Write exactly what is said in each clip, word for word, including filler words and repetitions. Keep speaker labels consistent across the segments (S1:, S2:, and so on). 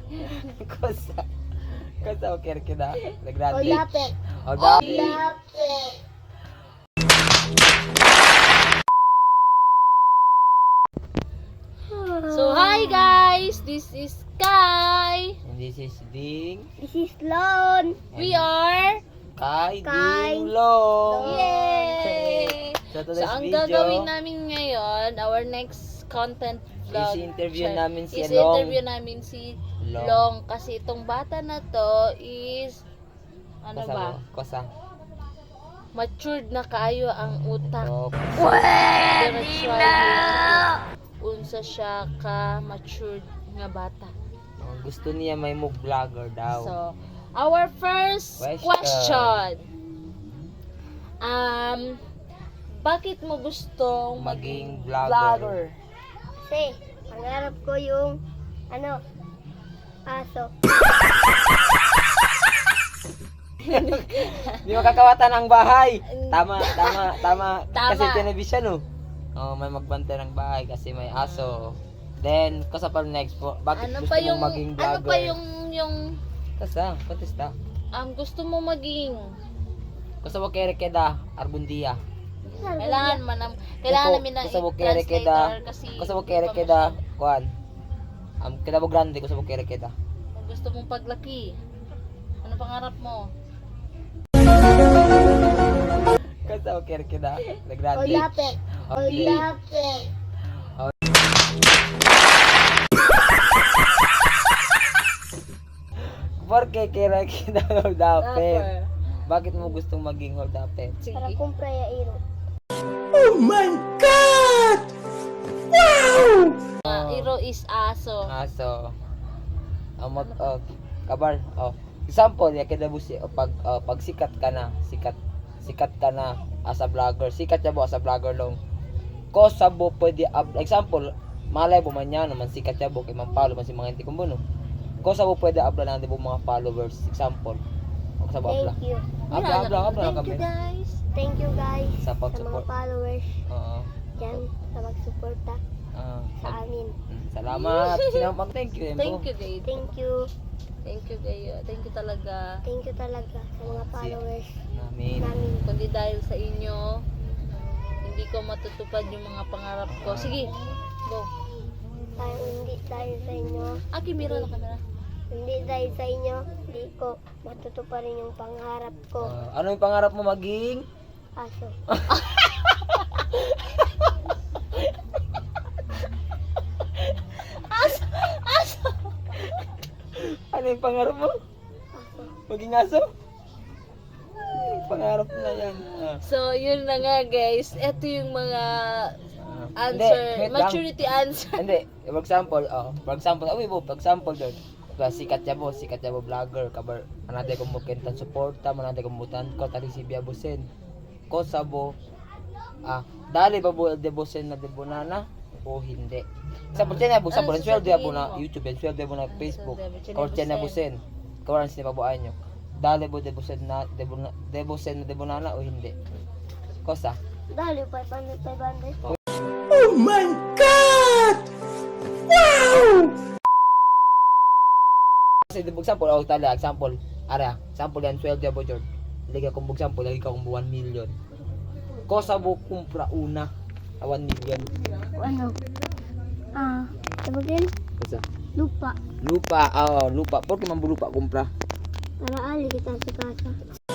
S1: Cosa. Cosa o quiere que da? De grande.
S2: Olapit.
S1: Olapit.
S2: Olapit.
S3: So, hi guys! This is Kai.
S1: And this is Ding.
S2: This is Lon.
S3: We are...
S1: Kai
S2: Kai
S1: Ding Long.
S3: Yay!
S1: So,
S3: So,
S1: today's
S3: ang
S1: video
S3: gagawin namin ngayon, our next content vlog.
S1: is interview
S3: Char-
S1: namin si
S3: is
S1: Long.
S3: interview namin si
S1: Long.
S3: Long. Kasi itong bata na to is... Ano
S1: Cosa
S3: ba?
S1: mo? Cosa.
S3: Matured na kaayo ang utak.
S1: So,
S3: Pwede na! Unsa siya ka matured nga bata.
S1: oh, gusto niya may mo vlogger daw.
S3: So, our first
S1: Question.
S3: question. Um, bakit mo gustong
S1: Maging
S3: maging
S1: vlogger?
S3: vlogger?
S2: Kasi, pangarap ko yung, ano, aso.
S1: Di makakawatan ang bahay. Tama, tama, tama.
S3: Tama.
S1: Kasi television oh. Oh, may magbantay ng bahay kasi may aso. Then, kasi pa next po, bakit
S3: Ano
S1: gusto
S3: pa yung
S1: mong maging vlogger?
S3: ano pa yung yung
S1: Kasi, contesta.
S3: um, gusto mo maging
S1: Kasi mo kere keda, Arbundia.
S3: kailangan man kailangan namin ng
S1: Kasi mo kere
S3: translator
S1: keda,
S3: kasi
S1: kasi mo kere keda, kuan. Um, keda mo grande, kasi mo kere keda.
S3: kung gusto mong paglaki. Ano pangarap mo?
S1: Kasi mo kere keda, the grande.
S2: Olapit.
S1: Okay.
S2: Olapit.
S1: Porque kere keda holdapet.
S3: Rapper.
S1: Bakit mo gustong maging holdapet?
S3: Sige.
S2: Para kumpra ya iro.
S3: Uh, iro is aso.
S1: Aso. Ang mag oh, kabar oh. Example, ya kada busi oh, pag oh, pag sikat ka na, sikat sikat ka na as a vlogger. Sikat ya bo as a vlogger long. Ko sabo pwede up, example, malay bo man yan naman sikat ya bo kay man follow man si mga hindi kumbuno. Ko sabo pwede upload na di bo mga followers, example. O sabo upload.
S2: Thank you.
S1: Upload, upload, upload
S3: Thank
S1: kami.
S3: you guys.
S2: Thank you guys
S1: Sa
S2: sa mga
S1: pag-support.
S2: followers
S1: Oo.
S2: dyan sa magsuporta
S1: Ah,
S2: sa amin.
S1: mm, salamat. Sino mag thank you. Embo.
S3: Thank you, Dave.
S2: Thank you.
S3: Thank you, Gayo. Thank you talaga.
S2: Thank you talaga sa mga followers
S1: Namin.
S2: namin.
S3: Kundi dahil sa inyo, hindi ko matutupad yung mga pangarap ko. Sige, go.
S2: Dahil hindi dahil sa inyo,
S3: Ah, Kimira na kamera.
S2: hindi dahil sa inyo, hindi ko matutuparin yung pangarap ko.
S1: Ah, ano yung pangarap mo maging?
S2: Aso.
S3: Aso! Aso!
S1: Ano yung pangarap mo?
S2: Aso.
S1: Maging aso? Ay, pangarap na yan. Ah.
S3: So, yun na nga guys. Ito yung mga
S1: Ah.
S3: answer,
S1: Hindi, wait lang.
S3: maturity answer.
S1: Hindi, for example, oh, for example, oh, bo, for example doon. Diba, sikat ya bo, sikat ya bo vlogger, kabar, anade kong bukentan suporta, manade kong butan ko, tali si Bia Busen. Ko sabo, ah, dali ba bo de Busen na de Bonana? O hindi. Sa po na bo, sa po,
S3: Ano
S1: sweldo ya bo
S3: sasabihin
S1: na
S3: mo?
S1: YouTube, yan sweldo ya bo na
S3: Ano
S1: Facebook.
S3: sasabihin?
S1: Kor na
S3: Busen.
S1: Busen. Kawaran sini pabuan nyo. Dali bo de Busen na de Bona- de Busen na de Bonana o hindi? Kosa?
S2: Dahil yung five hundred, five hundred.
S1: Kasi di example, oh tala, example, ara, example yan, sweldo ya bo, Jord. Lagi akong example, lagi ka akong one million. Ko sa bo kumpra una, ah, one million.
S2: Ano? Ah, sabagin?
S1: Kasi,
S2: Lupa.
S1: lupa, ah, lupa. Por man bo lupa kumpra?
S2: Para ali kita sa kasa.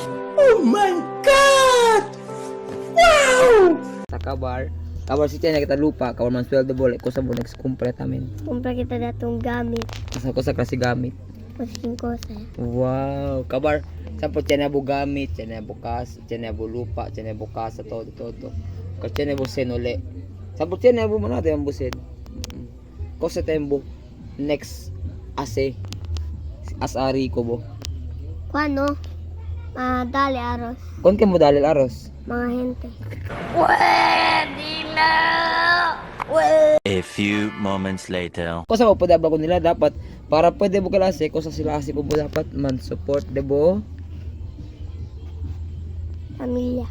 S1: Sa kabar, kabar si Chen kita lupa, kabar man sweldo bo, ko sa bo next kumpra tamin.
S2: Kumpra kita datong gamit.
S1: Kasi ko sa klase gamit.
S2: Pasing kosa.
S1: Wow, kabar. Sa po Chen bo gamit, Chen bo kas, Chen bo lupa, Chen bo kasa, todo, todo. Ko Chen bo sen uli. Sa po Chen bo man natin ang busen. Ko sa tembo next ase asari ko bo.
S2: Kuano? Ah, dali aros.
S1: Kon kay mo dalil aros.
S2: Mga hente.
S4: A few moments later.
S1: Ko sa po dabla ko nila dapat para pwede mo klase ko sa sila kasi ko mo dapat man support debo.
S2: Pamilya.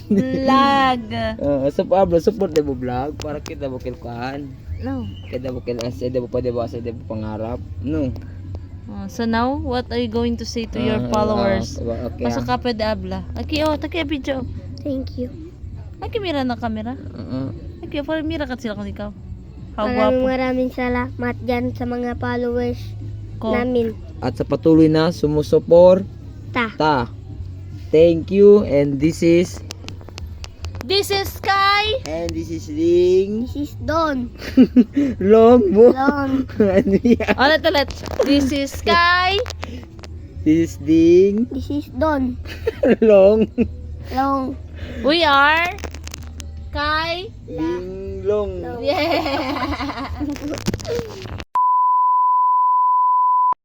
S3: Vlog.
S1: Uh, so Pablo, support na mo vlog para kita mo kilkuhan.
S3: No.
S1: Kita mo kilkuhan sa mo pwede ba sa mo pangarap. No.
S3: Oh, so now, what are you going to say to your
S1: Ah,
S3: followers?
S1: ah, okay.
S3: Pasok ka pwede abla. Aki, oh, taki video.
S2: Thank you.
S3: Aki, mira na kamera.
S1: Uh,
S3: Aki, para mira ka sila kung ikaw. How
S2: Maraming
S3: guwapo.
S2: maraming salamat dyan sa mga followers
S3: Ko.
S2: namin.
S1: at sa patuloy na sumusuport
S2: Ta.
S1: ta. Thank you, and this is
S3: This is Sky.
S1: and this is Ling
S2: This is Don.
S1: Longbo.
S2: Don.
S1: Ano yan?
S3: Ulit ulit. This is Sky.
S1: This is Ding
S2: This is Don.
S1: Long
S2: Long.
S3: We are Kai.
S1: Ding Long.
S3: Yeah.